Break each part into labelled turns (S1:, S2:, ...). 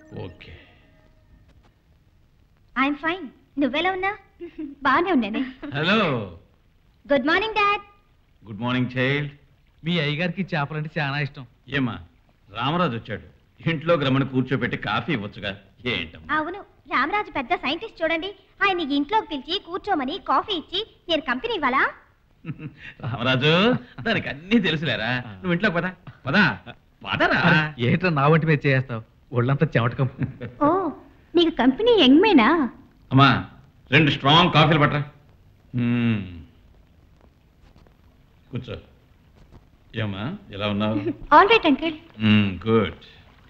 S1: Okay.
S2: I'm fine. నువ్వెలా ఉన్నా? బాగానే ఉన్నానే.
S1: Hello.
S2: Good morning dad.
S1: Good morning child.
S3: మీ అయ్యగారికి చేపలంటే చాలా ఇష్టం.
S1: ఏమా రామరాజు వచ్చాడు, ఇంట్లో రమ్మని కూర్చోబెట్టి కాఫీ ఇవ్వచ్చుగా. ఏంటమ్మా?
S2: అవును, రామరాజు పెద్ద సైంటిస్ట్ చూడండి. ఆయన ఇంట్లోకి పిలిచి కూర్చోమని కాఫీ ఇచ్చి నేను కంపెనీ ఇవ్వాలా?
S1: రామరాజు దానికి అన్నీ తెలుసులేరా. నువ్వు ఇంట్లోకి పదా పదా పదరా.
S3: ఏట్రా నా వంటి మీద చేస్తావు? ఒళ్ళంతా చెమటకం.
S2: ఓ, నీకు కంపెనీ యంగ్మేనా?
S1: అమ్మా 2 స్ట్రాంగ్ కాఫీలు పట్టరా. కూర్చో. ఏమా ఎలా ఉన్నావు?
S2: All right uncle.
S1: గుడ్.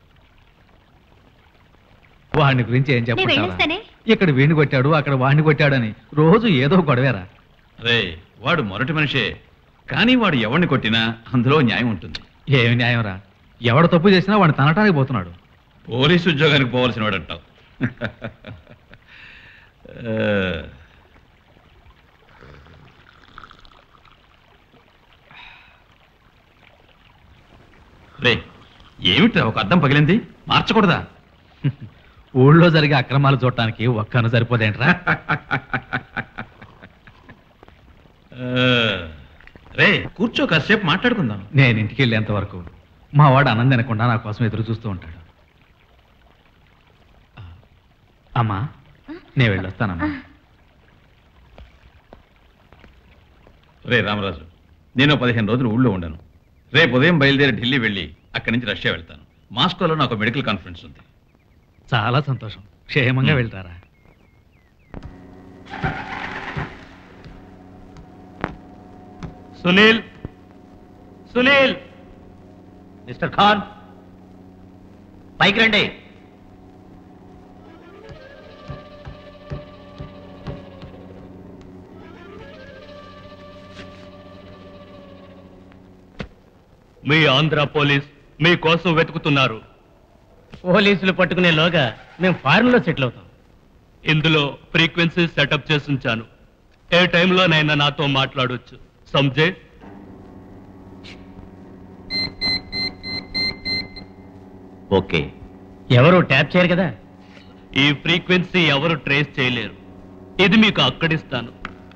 S3: వాడిని గురించి ఏం
S2: నేను వెళ్ళొస్తానే.
S3: చెప్పాలి? ఇక్కడ వీణి కొట్టాడు, అక్కడ వాడిని కొట్టాడని రోజు ఏదో గొడవేరా.
S1: అరే వాడు మొరటి మనిషే, కానీ వాడు ఎవరిని కొట్టినా అందులో న్యాయం ఉంటుంది.
S3: ఏమి న్యాయం రా? ఎవడు తప్పు చేసినా వాడిని తనటానికి పోతున్నాడు.
S1: పోలీసు ఉద్యోగానికి పోవాల్సిన వాడు అంటావు. రే ఏమిట్రా ఒక అద్దం పగిలింది, మార్చకూడదా?
S3: ఊళ్ళో జరిగే అక్రమాలు చూడటానికి ఒక్కను సరిపోదేంట్రా?
S1: రే కూర్చో, కాసేపు మాట్లాడుకుందాం.
S3: నేను ఇంటికి వెళ్ళేంత వరకు మా వాడు అన్నం తినకుండా నా కోసం ఎదురు చూస్తూ ఉంటాడు. అమ్మా నేను వెళ్ళొస్తానమ్మా.
S1: రే రామరాజు, నేను 15 రోజులు ఊళ్ళో ఉండను. రేపు ఉదయం బయలుదేరి ఢిల్లీ వెళ్ళి అక్కడి నుంచి రష్యా వెళ్తాను. మాస్కోలో నాకు మెడికల్ కాన్ఫరెన్స్ ఉంది.
S3: చాలా సంతోషం. క్షేమంగా వెళ్తారా?
S4: సునీల్, సునీల్. మిస్టర్ ఖాన్ పైకి రండి. మీ ఆంధ్ర పోలీస్ మీ కోసం వెతుకుతున్నారు.
S5: పోలీసులు పట్టుకునేలోగా మేము ఫారెన్ లో సెటిల్ అవుతాం.
S4: ఇందులో ఫ్రీక్వెన్సీ సెటప్ చేసి ఉంచాను. ఏ టైంలోనైనా నాతో మాట్లాడొచ్చు. సంజే.
S5: ఓకే. ఎవరు ట్యాప్ చేయరు కదా?
S4: ఈ ఫ్రీక్వెన్సీ ఎవరు ట్రేస్ చేయలేరు. ఇది మీకు అక్కడిస్తాను.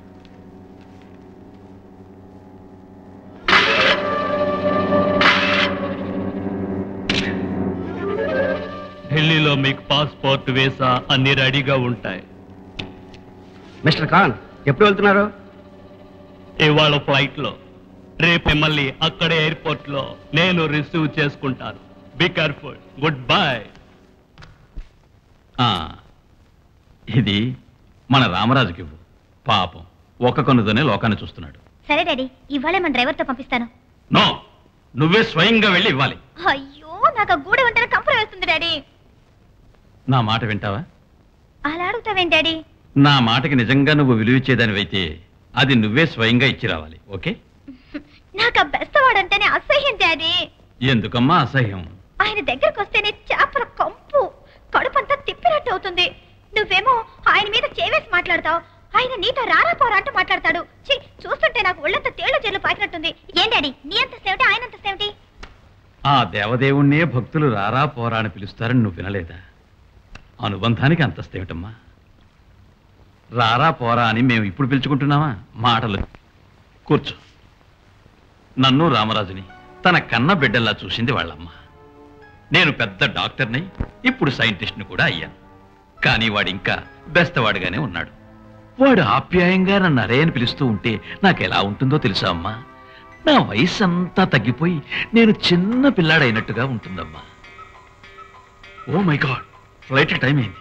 S4: ఢిల్లీలో మీకు పాస్పోర్ట్, వీసా అన్ని రెడీగా ఉంటాయి.
S5: మిస్టర్ ఖాన్ ఎప్పుడు వెళ్తున్నారు?
S4: ఇవాళ ఫ్లైట్ లో. రేపు మిమ్మల్ని అక్కడే ఎయిర్పోర్ట్ లో నేను రిసీవ్ చేసుకుంటాను. Be careful. Good bye.
S1: ఇది మన రామరాజుకి ఇవ్వు. పాపం ఒక్క కన్నుతోనే లోకాన్ని చూస్తున్నాడు.
S2: సరే డాడీ, ఇవాళే మన డ్రైవర్తో పంపిస్తాను.
S1: నో, నువ్వే స్వయంగా వెళ్ళి ఇవ్వాలి.
S2: అయ్యో, నాకు ఆ గూడ ఉంటేనే కంపరం వేస్తుంది డాడీ.
S1: నా మాట వింటావా?
S2: అలా అడుగుతావేం డాడీ?
S1: నా మాటకి నిజంగా నువ్వు విలువిచ్చేదానివైతే అది నువ్వే స్వయంగా ఇచ్చి రావాలి. ఓకే?
S2: నాకు ఆ బెస్తవాడంటేనే అసహ్యం డాడీ.
S1: ఎందుకమ్మా అసహ్యం?
S2: ఆయన దగ్గరకు వస్తేనే చేపల కంపు, కడుపంతా తిప్పినట్టు అవుతుంది. నువ్వేమో ఆయన మీద చేవేసి మాట్లాడతావు, ఆయన నీతో రారా పోరా అంటూ మాట్లాడతాడు. చూస్తుంటే నాకు ఒళ్ళంతా తేళ్ల జల్లు పాకినట్టుంది. ఏం డాడీ, నీ అంత సేమిటి, ఆయన అంత సేమిటి?
S1: ఆ దేవదేవుణ్ణే భక్తులు రారా పోరా అని పిలుస్తారని నువ్వు వినలేదా? అనుబంధానికి అంతస్తేమిటమ్మా? రారా పోరా అని మేము ఇప్పుడు పిలుచుకుంటున్నావా? మాటలు. కూర్చో. నన్ను రామరాజుని తన కన్న బిడ్డల్లా చూసింది వాళ్ళమ్మ. నేను పెద్ద డాక్టర్ని, ఇప్పుడు సైంటిస్ట్ని కూడా అయ్యాను. కానీ వాడు ఇంకా బెస్తవాడుగానే ఉన్నాడు. వాడు ఆప్యాయంగా నన్ను అరే అని పిలుస్తూ ఉంటే నాకెలా ఉంటుందో తెలుసా అమ్మా? నా వయసు అంతా తగ్గిపోయి నేను చిన్న పిల్లాడైనట్టుగా ఉంటుందమ్మా. Oh my god, flight time అయింది.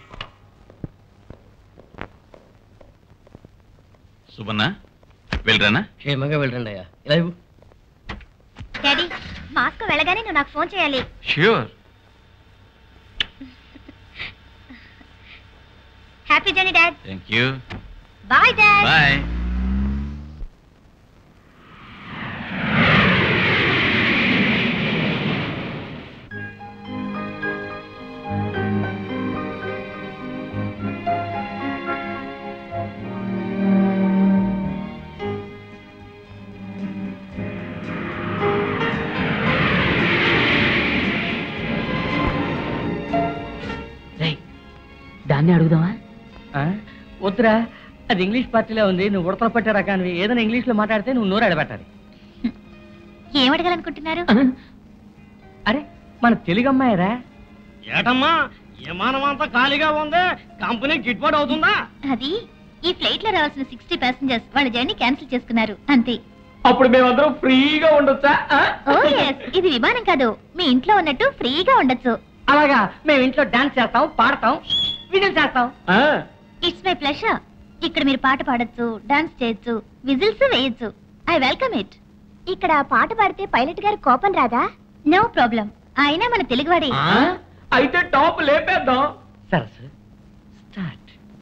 S1: సుబన్నా వెళ్ళరానా?
S5: క్షేమంగా వెళ్ళండి అయ్యా. ఇలా ఇవ్వు.
S2: డాడీ, మాస్కో వెళ్ళగానే నువ్వు నాకు ఫోన్ చేయాలి.
S1: Sure.
S2: Happy journey dad.
S1: Thank you.
S2: Bye dad.
S1: Bye.
S5: దాన్ని అడుగుదామా వద్దురా, అది ఇంగ్లీష్ పార్టీలో ఉంది. నువ్వు ఉడతలు పట్టే రకానివి. ఏదైనా ఇంగ్లీష్ లో మాట్లాడితే నువ్వు నోరు అడబెట్టాలి.
S2: ఏం అడగాలనుకుంటున్నారు?
S5: అరే మన తెలుగు అమ్మాయిరా.
S6: ఏటమ్మా విమానం అంతా ఖాళీగా ఉంది, కంపెనీ గిట్బాటు అవుతుందా?
S2: అది ఈ ఫ్లైట్ లో రావాల్సిన 60 ప్యాసింజర్స్ వాళ్ళ జర్నీ క్యాన్సిల్ చేసుకున్నారు అంతే.
S5: అప్పుడు మేమందరం ఫ్రీగా ఉండొచ్చా?
S2: ఓ yes, ఇది విమానం కాదు, మీ ఇంట్లో ఉన్నట్టు ఫ్రీగా ఉండొచ్చు.
S5: అలాగా, మేము ఇంట్లో డాన్స్ చేస్తాం, పాడతాం, వీడియోలు చేస్తాం.
S2: It's my pleasure. ఇక్కడ మీరు పాట పాడొచ్చు, డాన్స్ చేయొచ్చు, విజిల్స్ వేయొచ్చు. I welcome it. ఇక్కడ పాట పాడితే పైలట్ గారు కోపం రాదా? నో ప్రాబ్లం, ఆయన మన తెలుగువాడే.
S5: అయితే టాప్ లేపేద్దాం. సరస్సు స్టార్ట్.